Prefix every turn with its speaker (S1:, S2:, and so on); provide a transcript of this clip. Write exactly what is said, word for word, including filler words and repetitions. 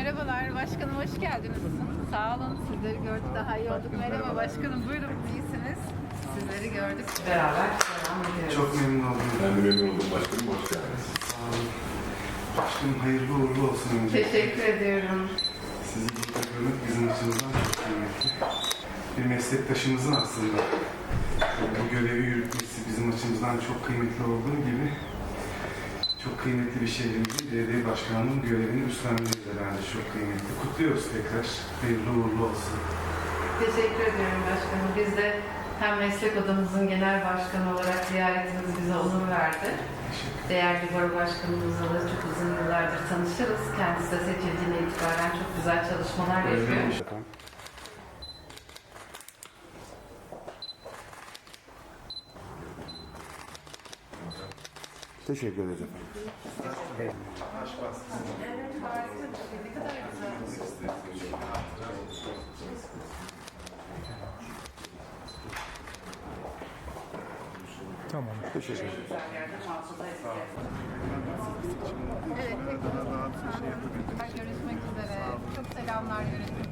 S1: Merhabalar başkanım, hoş geldiniz. Sağ olun, sizleri gördük, daha iyi olduk. Merhaba başkanım, buyurun, iyisiniz. Sizleri gördük. Beraber devam ediyoruz.
S2: Çok memnun oldum.
S3: Ben de memnun oldum başkanım. Hoş geldiniz.
S2: Sağ olun. Başkanım hayırlı uğurlu olsun önce.
S1: Teşekkür ediyorum.
S2: Sizi burada görmek bizim açımızdan çok kıymetli. Bir meslektaşımızın aslında bu görevi yürütmesi bizim açımızdan çok kıymetli olduğu gibi çok kıymetli bir şehrimizin belediye başkanlığının görevini üstlenmesi de bence çok kıymetli. Kutluyoruz tekrar. Hayırlı uğurlu olsun.
S1: Teşekkür ediyorum başkanım. Biz de hem meslek odamızın genel başkanı olarak ziyaretiniz bize onur verdi. Değerli baro başkanımızla da çok uzun yıllardır tanışırız. Kendisi de seçildiğine itibaren çok güzel çalışmalar yapıyor.
S3: Teşekkür ederiz efendim.
S1: Evet, harika. Ne kadar güzel.
S3: Tamam. Teşekkür ederim.
S1: Evet, tekrar görüşmek üzere. Çok selamlar yönetmenim.